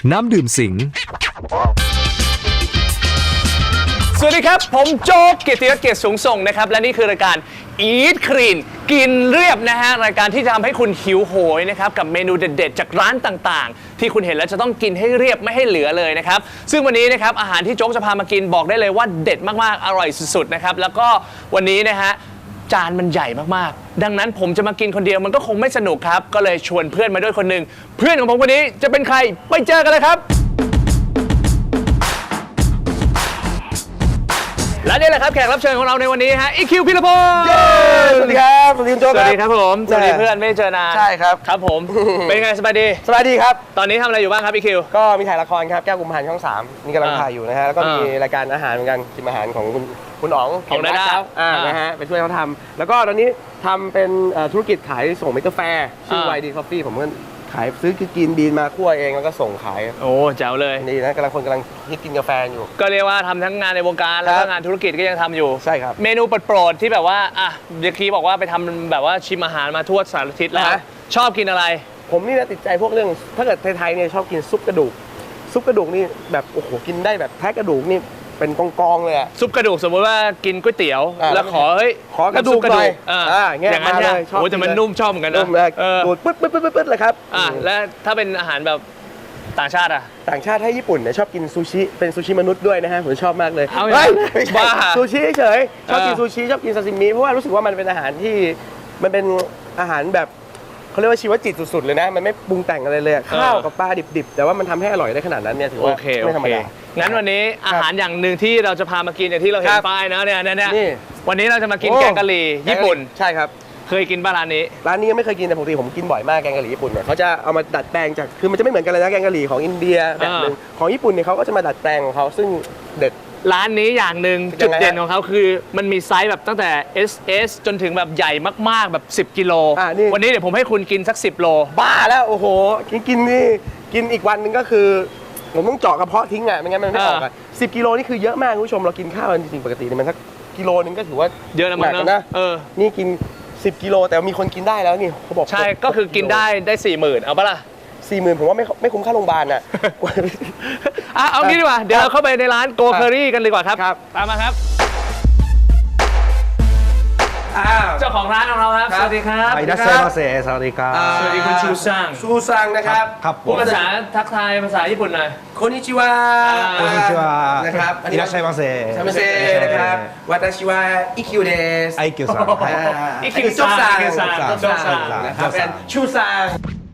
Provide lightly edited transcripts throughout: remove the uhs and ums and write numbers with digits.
น้ำดื่มสิงสวัสดีครับผมโจ๊กเกียรติยศเกียรติสูงส่งนะครับและนี่คือรายการ Eat Clean กินเรียบนะฮะรายการที่จะทำให้คุณหิวโหยนะครับกับเมนูเด็ดๆจากร้านต่างๆที่คุณเห็นแล้วจะต้องกินให้เรียบไม่ให้เหลือเลยนะครับซึ่งวันนี้นะครับอาหารที่โจ๊กจะพามากินบอกได้เลยว่าเด็ดมากๆอร่อยสุดๆนะครับแล้วก็วันนี้นะฮะจานมันใหญ่มากๆดังนั้นผมจะมากินคนเดียวมันก็คงไม่สนุกครับก็เลยชวนเพื่อนมาด้วยคนหนึ่งเพื่อนของผมคนนี้จะเป็นใครไปเจอกันเลยครับและนี่แหละครับแขกรับเชิญของเราในวันนี้ฮะอีคิวพิรพงศ์สวัสดีครับสวัสดีคุณโจ๊กสวัสดีครับผมสวัสดีเพื่อนไม่ได้เจอนานใช่ครับครับผมเป็นไงสบายดีสบายดีครับตอนนี้ทำอะไรอยู่บ้างครับอีคิวก็มีถ่ายละครครับแก้วกุมภานช่อง 3นี่กำลังถ่ายอยู่นะฮะแล้วก็มีรายการอาหารเหมือนกันกินอาหารของคุณอ๋องของดาด้านะฮะไปช่วยเขาทำแล้วก็ตอนนี้ทำเป็นธุรกิจขายส่งเมกาแฟชื่อ YD Coffee ผมก็ขายซื้อกินบีนมาคั่วเองแล้วก็ส่งขายโอ้แจ๋วเลยนี่นะคนกำลังฮิตกินกาแฟอยู่ก็เรียกว่าทำทั้งงานในวงการแล้วก็งานธุรกิจก็ยังทำอยู่ใช่ครับเมนูโปรดๆที่แบบว่าอ่ะเมื่อกี้บอกว่าไปทำแบบว่าชิมอาหารมาทั่วสารทิศแล้วชอบกินอะไรผมนี่นะติดใจพวกเรื่องถ้าเกิดไทยๆเนี่ยชอบกินซุปกระดูกนี่แบบโอ้โหกินได้แบบแท้กระดูกนี่เป็นกองๆเลยอะซุปกระดูกสมมติว่ากินก๋วยเตี๋ยวแล้วขอเฮ้ยขอกระดูกหน่อยอย่างนั้นเลยโอ้แต่มันนุ่มชอบเหมือนกันนะนุ่มเลยดูดปึ๊ดเลยครับและถ้าเป็นอาหารแบบต่างชาติอ่ะต่างชาติให้ญี่ปุ่นเนี่ยชอบกินซูชิเป็นซูชิมนุษย์ด้วยนะฮะผมชอบมากเลยเอาอย่างนั้นไม่ใช่บ้าซูชิเฉยชอบกินซูชิชอบกินซาซิมิเพราะว่ารู้สึกว่ามันเป็นอาหารที่มันเป็นอาหารแบบเขาเรียกว่าชีวจิตสุดๆเลยนะมันไม่ปรุงแต่งอะไรเลยข้าวกับปลาดิบๆแต่ว่ามันทำให้อร่อยได้ขนาดนั้นเนี่ยถือว่าไม่ธรรมดางั้นวันนี้อาหารอย่างหนึ่งที่เราจะพามากินอย่างที่เราเห็นป้ายนะเนี่ยวันนี้เราจะมากินแกงกะหรี่ญี่ปุ่นใช่ครับเคยกินบ้านร้านนี้ร้านนี้ยังไม่เคยกินแต่ปกติผมกินบ่อยมากแกงกะหรี่ญี่ปุ่นเนี่ยเขาจะเอามาดัดแปลงจากคือมันจะไม่เหมือนกันเลยนะแกงกะหรี่ของอินเดียแบบนึงของญี่ปุ่นเนี่ยเขาก็จะมาดัดแปลงของเขาซึ่งเด็ดร้านนี้อย่างหนึ่งจุดเด่นของเขาคือมันมีไซส์แบบตั้งแต่ SS จนถึงแบบใหญ่มากๆแบบ10 กิโลวันนี้เดี๋ยวผมให้คุณกินสัก10 โลบ้าแล้วโอ้โหกินนี่กินอีกวันหนึ่งก็คือผมต้องเจาะกระเพาะทิ้งอ่ะไม่งั้นมันไม่ออกอ่ะ10 กิโลนี่คือเยอะมากคุณผู้ชมเรากินข้าวจริงๆปกติเนี่ยมันสักกิโลนึงก็ถือว่าเยอะนะมันนะนี่กิน10 กิโลแต่มีคนกินได้แล้วนี่เขาบอกใช่ก็คือกินได้ 40,000เอาปะล่ะ 40,000ผมว่าไม่คุ้มค่าโรงพยาบาลอ่ะเอางี้ดีกว่าเดี๋ยวเราเข้าไปในร้านโกเคอรี่กันดีกว่าครับตามมาครับเจ้าของร้านของเราครับสวัสดีครับいらっしゃいませสวัสดีครับสวัสดีคุณชูซังนะครับครับพูดภาษาทักทายภาษาญี่ปุ่นหน่อยโคนิชิวะนะครับいらっしゃいませนะครับวาตาชิวะอิคิวเดสไอคิวซังอิคิวซังนะครับเป็นชูซัง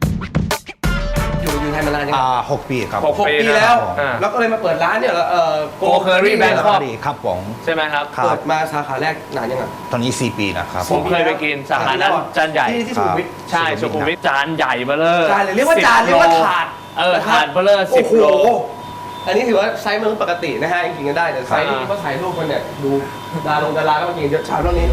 อยู่ไทยมานานยัง 6 ปีครับ 6 ปีแล้วแล้วก็เลยมาเปิดร้านเนี่ยโกเคอรี่แบงคอกครับผมใช่ไหมครับเปิดมาสาขาแรกนานยังไงตอนนี้4 ปีนะครับผมเคยไปกินสาขานั้นจานใหญ่ที่สุขุมวิทใช่สุขุมวิทจานใหญ่เบ้อเลยจานเรียกว่าจานเรียกว่าถาดถาดเบ้อเลย10 โลอันนี้ถือว่าไซส์มนุษย์ปกตินะฮะกินกันได้แต่ไซส์ที่เขาถ่ายรูปกันเนี่ยดูดาราก็มากินเยอะชามเท่านี้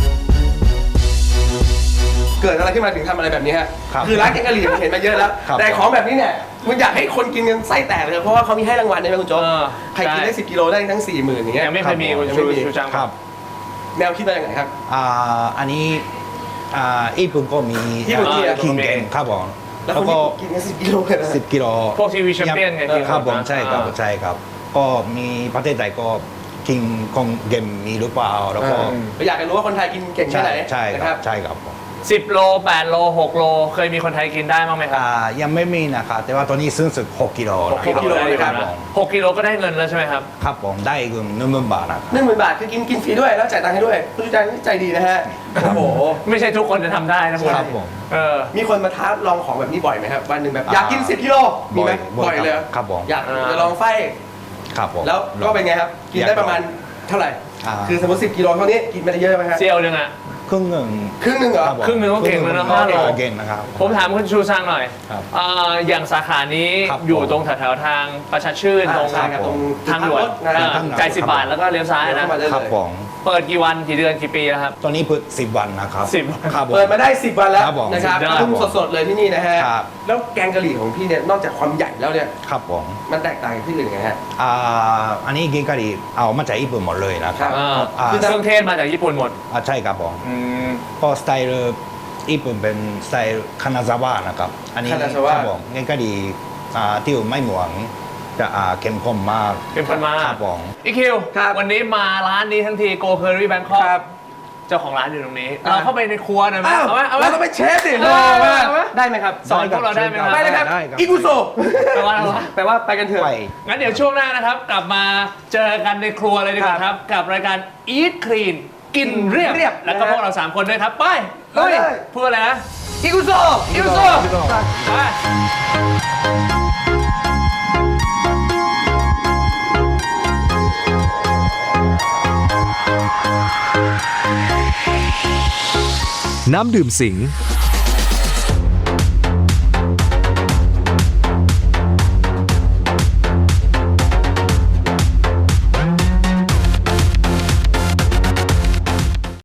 เกิดอะไรขึ้นมาถึงทำอะไรแบบนี้ฮะคือร้านแกงกะหรี่ผมเห็นมาเยอะแล้วแต่ของแบบนี้เนี่ยมันอยากให้คนกินกันไส้แตกเลยเพราะว่าเขามีให้รางวัลใช่ไหมคุณโจ๊กใครกินได้10 กิโลได้ทั้ง 40,000อย่างเงี้ยยังไม่เคยมีคุณชูจังครับแนวคิดมาจากไหนครับอันนี้ญี่ปุ่นก็มีคิงเกนครับผมแล้วก็กินกัน10 กิโลเลยนะ 10 กิโลพวกทีวีแชมเปี้ยนไงครับผมใช่ครับก็มีประเทศไทยก็คิงคงเกมมีหรือเปล่าแล้วก็อยากจะรู้ว่าคนไทยกินเก่งแค่ไหนใช่ครับ 10 โล 8 โล 6 โลเคยมีคนไทยกินได้บ้างไหมครับยังไม่มีนะครับแต่ว่าตอนนี้ซื้อสุด6 กิโล 6 กิโลเลยครับ 6 กิโลก็ได้เงินแล้วใช่ไหมครับครับผมได้เงิน10,000 บาทนะครับ 10,000 บาทคือกินฟรีด้วยแล้วจ่ายตังค์ให้ด้วยผู้จัดการใจดีนะฮะโอ้โหไม่ใช่ทุกคนจะทำได้นะคุณครับผมมีคนมาท้าลองของแบบนี้บ่อยไหมครับวันหนึ่งแบบอยากกิน10 กิโลมีไหมบ่อยเลยครับผมอยากจะลองไฟครับผมแล้วก็เป็นไงครับกินได้ประมาณเท่าไหร่คือสมมติ10 กิโลเท่านี้กินไปได้เยอะไหมครับเซียวนึงอ่ะครึ่งหนึ่งเหรอครึ่งหนึ่งก็เก่งแล้วนะเก่งนะครับผมถามคุณชูซังหน่อยอย่างสาขานี้อยู่ตรงแถวๆทางประชาชื่นตรงทางด่วนจ่าย10 บาทแล้วก็เลี้ยวซ้ายนะครับผมเปิดกี่วันกี่เดือนกี่ปีแล้วครับตอนนี้เปิด10 วันนะครับเปิดมาได้10 วันแล้วนะครับทุ่มสดๆเลยที่นี่นะฮะแล้วแกงกะหรี่ของพี่เนี่ยนอกจากความใหญ่แล้วเนี่ยครับผมมันแตกต่างจากที่อื่นยังไงฮะอันนี้แกงกะหรี่เอามาจากญี่ปุ่นหมดเลยนะครับคือเครื่องเทศมาจากญี่ปุ่นหมดใช่ครับผมก็สไตล์ญี่ปุ่นเป็นสไตล์คานาซาวะนะครับอันนี้ครับผมแกงกะหรี่ที่ไม่เหมือนจะเข้มข้นมากเข้มข้นมากครับผมอีคิวครับวันนี้มาร้านนี้ทั้งทีโกเคอรี่แบงคอกครับเจ้าของร้านอยู่ตรงนี้ เราเข้าไปในครัวหน่อยไหมอ้าวเอาไหมเอาไหมเราต้องเป็นเชฟดิเอาไหมได้ไหมครับสอนพวกเราได้ไหมครับไปเลยครับได้ครับอิกุโซแปลว่าอะไรวะแปลว่าไปกันเถอะไปงั้นเดี๋ยวช่วงหน้านะครับ กลับมาเจอกันในครัวเลยดีกว่าครับ กับรายการ Eat Clean กินเรียบเรียบแล้วก็นะฮะพวกเรา 3 คนด้วยครับ ไปเฮ้ยพูดอะไรนะอิกุโซอิวโซไปน้ำดื่มสิง